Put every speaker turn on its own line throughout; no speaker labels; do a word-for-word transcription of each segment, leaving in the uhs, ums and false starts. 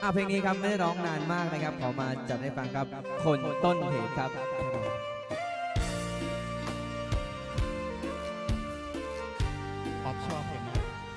อ่ะเพลงนี้ครับไม่ได้ร้องนานมากนะครับขอมาจัดให้ฟังครับคนต้นเหตุครับ
ป๊อปชอบเพลงนี้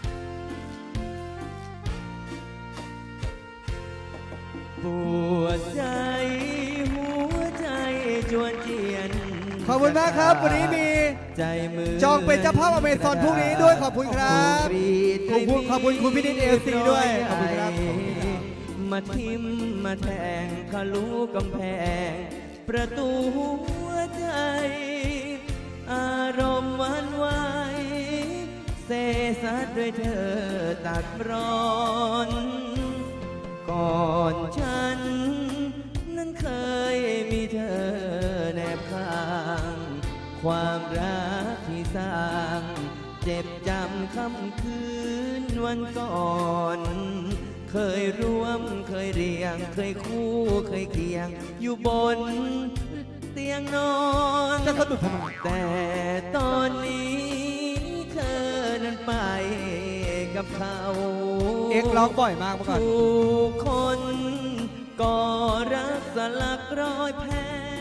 ปวดใจหัวใจจวนเจียน
ขอบคุณมากครับวันนี้มี
ใจมือ
จองเป็นเจ้าภาพอเมซอนพรุ่งนี้ด้วยขอบคุณครับขอบคุณขอบคุณคุณพินิจเอลซีด้วยขอบคุณครับ
มาทิมมาแทงทะลุกำแพงประตูหัวใจอารมณ์หวันไหวเสสัดด้วยเธอตัดร้อนก่อนฉันนั้นเคยมีเธอแนบข้างความรักที่สร้างเจ็บจำค่ำคืนวันก่อนเคยร่วมเคยเรียงเคยคู่เคยเคียงอยู่บนเตียงนอน
จะสนุกทำไม
แต่ตอนนี้เธอนั้นไปกับเขา
เอ็กร้องบ่อยมากเมื่อก่อน
ทุกคนก็รักสลักรอยแผล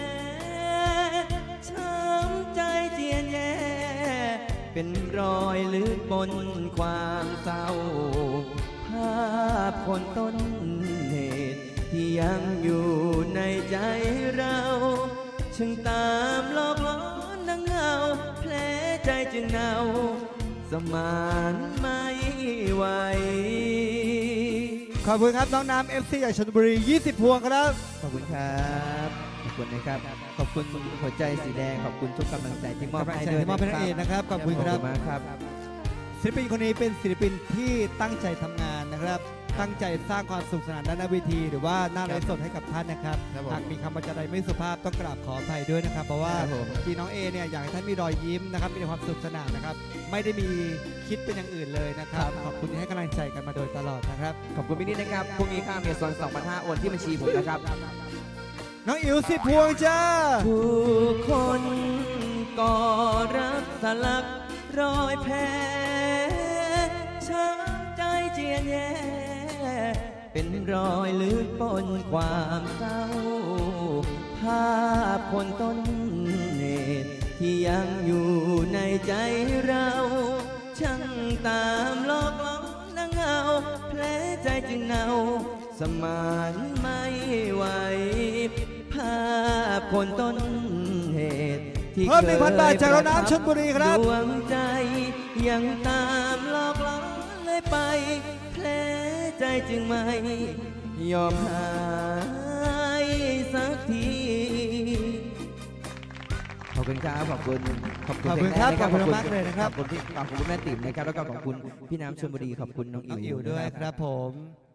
ช้ำใจเจียนแย่เป็นรอยลึกบนความเศร้าภาพคนต้นเหตุที่ยังอยู่ในใจเราช่างตามหลอกล้อนดังเงาแผลใจจึงเนาสมานไม่ไหว
ขอบคุณครับน้องน้ำเอฟซีจากชลบุรียี่สิบพวงครับ
ขอบคุณครับขอบคุณนะครับขอบคุณหัวใจสีแดงขอบคุณทุกกำลังใจที่มอบให้ด้วย
ที่มอบให้นักเอกนะครับขอบคุณครับ
มากครับ
ศิลปินคนนี้เป็นศิลปินที่ตั้งใจทำงานนะครับตั้งใจสร้างความสุขสนานด้านหน้าเวทีหรือว่าหน้าไลฟ์สดให้กับท่านนะครับหากมีคำบรรยายไม่สุภาพต้องกราบขออภัยด้วยนะครับเพราะว่าพี่น้องเอเนี่ยอยากให้ท่านมีรอยยิ้มนะครับมีความสุขสนานนะครับไม่ได้มีคิดเป็นอย่างอื่นเลยนะครับขอบคุณที่ให้กำลังใจกันมาโดยตลอดนะครับ
ขอบคุณพี่นิดนะครับพรุ่งนี้ค่าเมซอน สองพันห้าร้อย โอนที่บัญชีผมนะครับ
น้องอิ๋วสิบพวงจ้า
ผู้คนก็รักสลักรอยแผลช้ำใจเจียนแย่เป็นรอยลึกปนความเศร้าภาพคนต้นเหตุที่ยังอยู่ในใจเราช่างตามหลอกล้อนดังเงาแผลใจจึงเนาสมานไม่ไหวภาพคนต้นเหตุที่
เพิ่มหนึ่งพันบาทจากเราน้ำชลบุรีครับ
ดวงใจยังตามหลอกล้อนเลยไปแผลใจจึงไม่ยอมหายสักทีขอบคุณครับขอบคุณ
ขอบคุณครับขอบคุณมากเลยนะครับ
ขอบคุณพี่ขอบคุณแม่ติ๋มนะครับแล้วก็ขอบคุณพี่น้ำชลบุรีขอบคุณน้องอิ๋ว
ด้วยครับผม